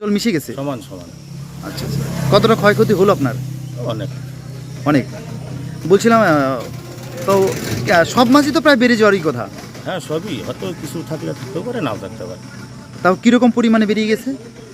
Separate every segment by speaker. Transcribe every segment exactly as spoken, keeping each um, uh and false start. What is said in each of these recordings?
Speaker 1: জল মিশে গেছে
Speaker 2: সমান সমান।
Speaker 1: আচ্ছা আচ্ছা, কতটা ক্ষয়ক্ষতি হলো আপনার?
Speaker 2: অনেক
Speaker 1: অনেক। বলছিলাম আহ, তো আহ, সব মাছই তো প্রায় বেড়ে যাওয়ারই কথা,
Speaker 2: হ্যাঁ সবই, হয়তো কিছু থাকলে থাকতেও পারে, নাও থাকতে পারে।
Speaker 1: তাও কীরকম পরিমাণে বেরিয়ে গেছে?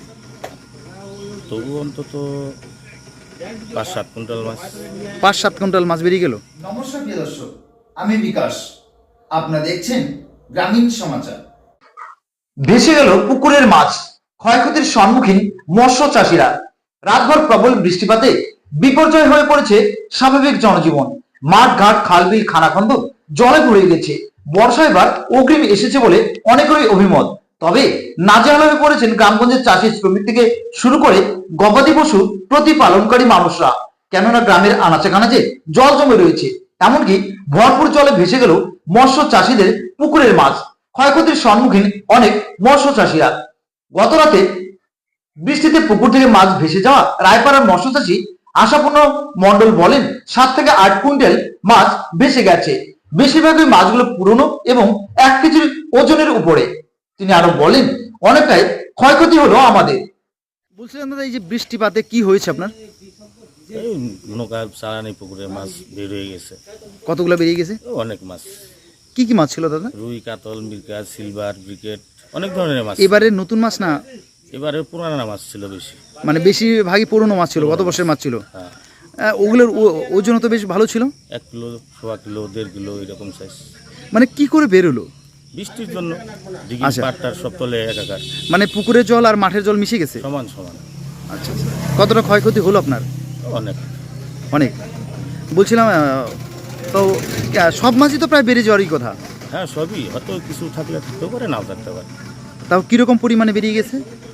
Speaker 2: তবু অন্তত পাঁচ সাত কুইন্টাল মাছ।
Speaker 1: পাঁচ সাত কুইন্টাল মাছ বেরিয়ে গেল।
Speaker 3: নমস্কার প্রিয় দর্শক, আমি বিকাশ। আপনারা দেখছেন গ্রামীণ সমাচার। ভেসে গেল পুকুরের মাছ, ক্ষয়ক্ষতির সম্মুখীন মৎস্য চাষিরা। রাতভর প্রবল বৃষ্টিপাতে বিপর্যয় হয়ে পড়েছে স্বাভাবিক জনজীবন। মাঠ ঘাট খাল বিল খানাখন্দ জলে ভরে গেছে। বর্ষা এবার অগ্রিম এসেছে বলে অনেকেরই অভিমত। তবে নাজেহাল হয়ে পড়েছেন গ্রামগঞ্জের চাষি শ্রমিক থেকে শুরু করে গবাদি পশু প্রতিপালনকারী মানুষরা। কেননা গ্রামের আনাচে কানাচে জল জমে রয়েছে, এমনকি ভরপুর জলে ভেসে গেল মৎস্য চাষিদের পুকুরের মাছ। ক্ষয়ক্ষতির সম্মুখীন অনেক মৎস্য চাষিরা। গত রাতে বৃষ্টিতে পুকুর থেকে মাছ ভেসে যাওয়া রায়পাড়ার মৎস্য চাষী আশাপূর্ণ মন্ডল বলেন, সাত থেকে আট কুইন্টাল মাছ ভেসে গেছে। বেশিরভাগই মাছগুলো পুরনো এবং এক কেজির ওজনের উপরে। তিনি আরো বলেন, অনেকটাই ক্ষয়ক্ষতি হলো আমাদের।
Speaker 1: বলছিলাম দাদা, এই যে বৃষ্টিপাতে কি হয়েছে আপনার?
Speaker 2: এই নৌকা চালানি পুকুরে মাছ বের হয়ে গেছে।
Speaker 1: কতগুলো বেরিয়ে গেছে?
Speaker 2: অনেক মাছ।
Speaker 1: কি কি মাছ ছিল দাদা?
Speaker 2: রুই, কাতল, মিরকা, সিলভার, ব্রিকেট, অনেক ধরনের মাছ।
Speaker 1: এবারে নতুন মাছ না,
Speaker 2: এবারে পুরানা মাছ ছিল বেশি।
Speaker 1: মানে বেশিরভাগই পুরনো মাছ ছিল, গত বছরের মাছ ছিল।
Speaker 2: হ্যাঁ,
Speaker 1: আহ, ওগুলোর ও- ওজন তো বেশ ভালো ছিল।
Speaker 2: এক কিলো, সোয়া কিলো, দেড় কিলো এরকম সাইজ।
Speaker 1: মানে কি করে বেরোলো?
Speaker 2: বৃষ্টির জন্য দিঘি
Speaker 1: আচ্ছা।
Speaker 2: পাটটার সব তলে একাকার,
Speaker 1: মানে পুকুরের জল আর মাঠের জল মিশে গেছে।
Speaker 2: সমান সমান।
Speaker 1: আচ্ছা আচ্ছা, কতটা ক্ষয়ক্ষতি হলো আপনার?
Speaker 2: অনেক।
Speaker 1: অনেক। বলছিলাম আহ, তো আহ, সব মাছই তো প্রায় বেড়ে যাওয়ারই কথা,
Speaker 2: হ্যাঁ সবই, হয়তো কিছু থাকলে থাকতেও পারে, নাও থাকতে পারে।
Speaker 1: তাও কীরকম পরিমাণে বেরিয়ে গেছে?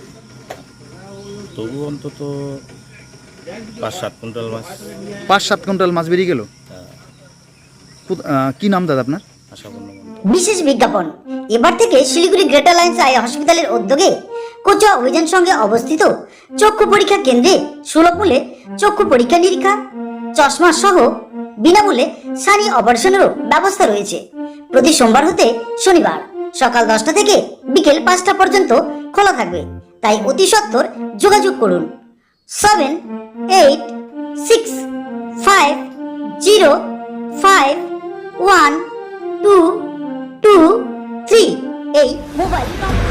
Speaker 2: তবু অন্তত পাঁচ সাত কুইন্টাল মাছ।
Speaker 1: পাঁচ সাত কুইন্টাল মাছ বেরিয়ে গেল।
Speaker 2: হ্যাঁ,
Speaker 1: কোথ- আহ, কি নাম দাদা আপনার?
Speaker 2: আশাপূর্ণ মন্ডল।
Speaker 4: বিশেষ বিজ্ঞাপন। এবার থেকে শিলিগুড়ি গ্রেটার লাইন্স আই হসপিটালের উদ্যোগে কোচুয়া অভিযান সঙ্গে অবস্থিত চক্ষু পরীক্ষা কেন্দ্রে সুলভ মূল্যে চক্ষু পরীক্ষা নিরীক্ষা, চশমা সহ বিনামূল্যে সানি অপারেশনেরও ব্যবস্থা রয়েছে। প্রতি সোমবার হতে শনিবার সকাল দশটা থেকে বিকেল পাঁচটা পর্যন্ত খোলা থাকবে। তাই অতি সত্বর যোগাযোগ করুন seven eight six five zero five one two two three এই মোবাইল